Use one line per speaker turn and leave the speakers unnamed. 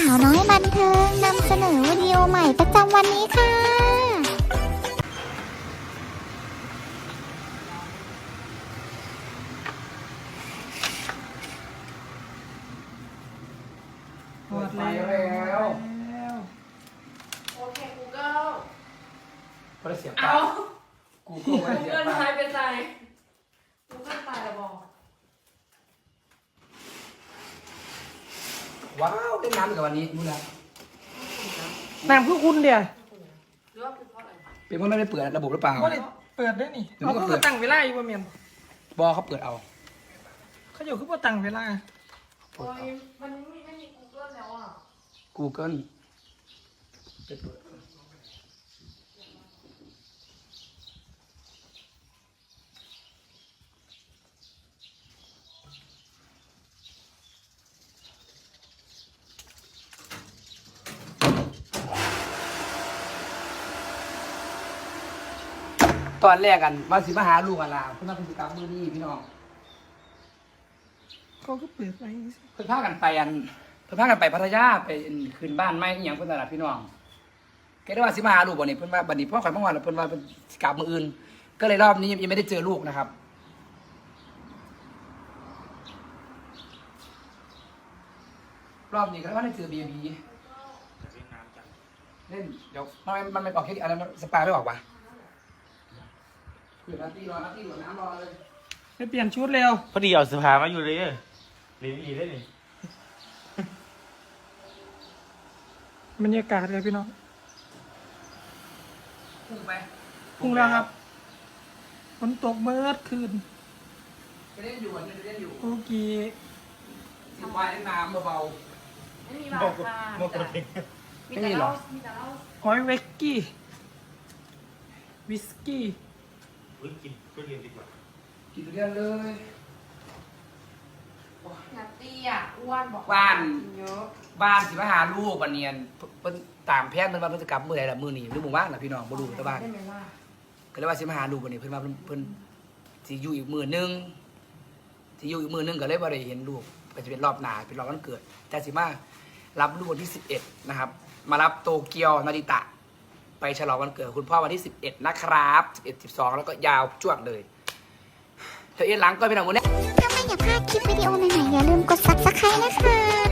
าวน้อยบันเทิงนำเสนอวิดีโอใหม่ประจำวันนี้ค่ะ
หมดแล้ว
โอเค Google
พอได้เสียบ
เอา
กูก็ไม่ได้เสียบ
Google หายไปไหน Google ตายแล้วบอก
ว้าวได้น้ำอีกกับวันนี้รู้แล้ว
น้ำคือคุณเดียว
หรือว่าคือเพราะอะไร
เป็นเพราะไม่ได้เปิดระบบหรือเปล่า
ก็เลยเปิดได้นี่
เดี๋ยวมั
เขา
นก็
คือ
เปิด
มาตั้งเวลาอยู่บ่เมียน
บอเขาเปิดเอา
เขาอยู่คือมาตั้งเวลา
โอ้ยมันไม่มี Google แล้วอ่ะ
Google ไปเปิดตอนแรกกันว่าสิมาหาลูกกันล่ะเพื่อนมาเป็นกิจกรรมมือนี้พี่น้อง
เขาก็เปิดไว้
เพิ่นพากันไปเพิ่นพากันไปพัทยาไปคืนบ้านไม่อหย่างเพิ่นนั่นล่ะพี่น้องแกได้ว่าสิมาหาลูกบ่นี่เพิ่นว่าบัดนี้พ่อข่อยมาว่าแล้วเพิ่นว่าเพิ่นสิกลับมื้ออื่น ก็เลยรอบนี้ยังไม่ได้เจอลูกนะครับ รอบนี้ก็ว่าได้เจอเบียบีเล่นเดี๋ยวมันไม่ออกแค่อะไรสปาไม่ออกว่ะคือนาทีรอน้ำรอเลย
ไปเปลี่ยนชุดเร็ว
พอดีเอาเสื้อผ้ามาอยู่เลยเรียนอีได้นี่
บรรยากาศเลยพี่น้อง
พุ่งไป
พุ่งแล้วครับฝนตกเมื่อคืน
ไปเล่นอยู่ไปเล่นอยู่
โอเค
สิบวายเล่นน้ำเบา
ไม่มีบาร์ค่ะมีแต่เหล้ามีแต่เหล้า
หอยเวกกี้วิสกี้
กินก็เรียนดีกว่า
ๆกินทุเรียนเลย
นัตตี้อ่ะอ้วนบอก
บ้าน
เยอะ
บ้านสิมาหาลูกวันเนียนเพิ่นตามแพทย์เพิ่นว่าเพิ่นจะกลับมื้อใดล่ะมื้อนี้หรือหมู่บ้านล่ะพี่น้องบ่รู้แต่บ้าน
ได้ไหมล่ะ
ก็เลยว่าสิมาหาลูกวันนี้เพิ่นว่าเพิ่นสิอยู่อีกมื้อนึงสิอยู่อีกมื้อนึงก็เลยบ่ได้เห็นลูกก็จะเป็นรอบหน้าเป็นรอบวันเกิด แต่สิมารับลูกวันที่11นะครับ มารับโตเกียวนาริตะ ไปฉลองวันเกิดคุณพ่อวันที่11นะครับ11 12แล้วก็ยาวจ้วงเลยเธอเอ็นหลังก็เป็นหนังวันนี้
ถ้าไม่อยากพลาดคลิปวิดีโอใหม่ๆอย่าลืมกด subscribe นะคะ